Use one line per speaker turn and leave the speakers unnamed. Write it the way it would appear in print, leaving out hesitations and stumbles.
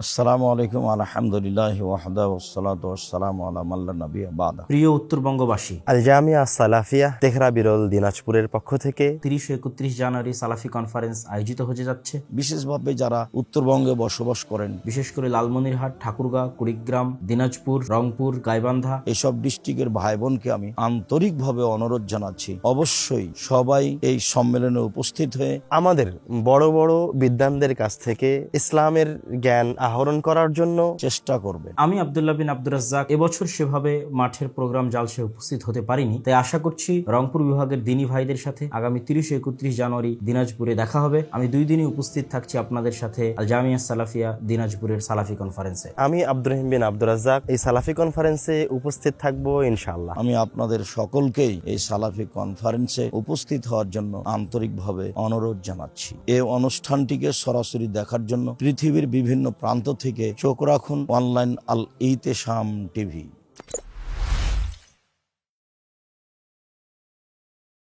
আসসালামু আলাইকুম আলহামদুলিল্লাহ ওয়াহদা ওয়াসসালাতু ওয়াসসালামু আলা মান লা নাবিয়্যা বাদা।
প্রিয় উত্তরবঙ্গবাসী,
আল জামিয়া সালাফিয়া তেহরা বিরল দিনাজপুরের পক্ষ থেকে
30 ও 31 জানুয়ারি সালাফি কনফারেন্স আয়োজিত হতে যাচ্ছে।
বিশেষভাবে যারা উত্তরবঙ্গে বসবাস করেন,
বিশেষ করে লালমনিরহাট, ঠাকুরগাঁও, কুড়িগ্রাম, দিনাজপুর, রংপুর, গাইবান্ধা
এইসব ডিস্ট্রিক্টের ভাই বোনকে আমি আন্তরিকভাবে অনুরোধ জানাচ্ছি, অবশ্যই সবাই এই সম্মেলনে উপস্থিত হয়ে
আমাদের বড় বড় বিদ্বানদের কাছ থেকে ইসলামের জ্ঞান আহরণ করার জন্য
চেষ্টা করবেন।
আমি আব্দুল্লাহ বিন আব্দুর রাজ্জাক এবছর সেভাবে মাঠের প্রোগ্রাম জালসে উপস্থিত হতে পারিনি, তাই আশা করছি রংপুর বিভাগের দিনী ভাইদের সাথে আগামী 30 ও 31 জানুয়ারি দিনাজপুরে দেখা হবে। আমি 2 দিনই উপস্থিত থাকছি আপনাদের সাথে আল জামিয়া সালাফিয়া দিনাজপুরের সালাফি কনফারেন্সে।
আমি আব্দুর রহিম বিন আব্দুর রাজ্জাক এই সালাফি কনফারেন্সে উপস্থিত থাকবো ইনশাআল্লাহ।
আমি আপনাদের সকলকেই এই সালাফি কনফারেন্সে উপস্থিত হওয়ার জন্য আন্তরিকভাবে অনুরোধ জানাচ্ছি। এই অনুষ্ঠানটিকে সরাসরি দেখার জন্য পৃথিবীর বিভিন্ন প্রান্ত থেকে চোখ রাখুন অনলাইন আল ইতেশাম টিভি।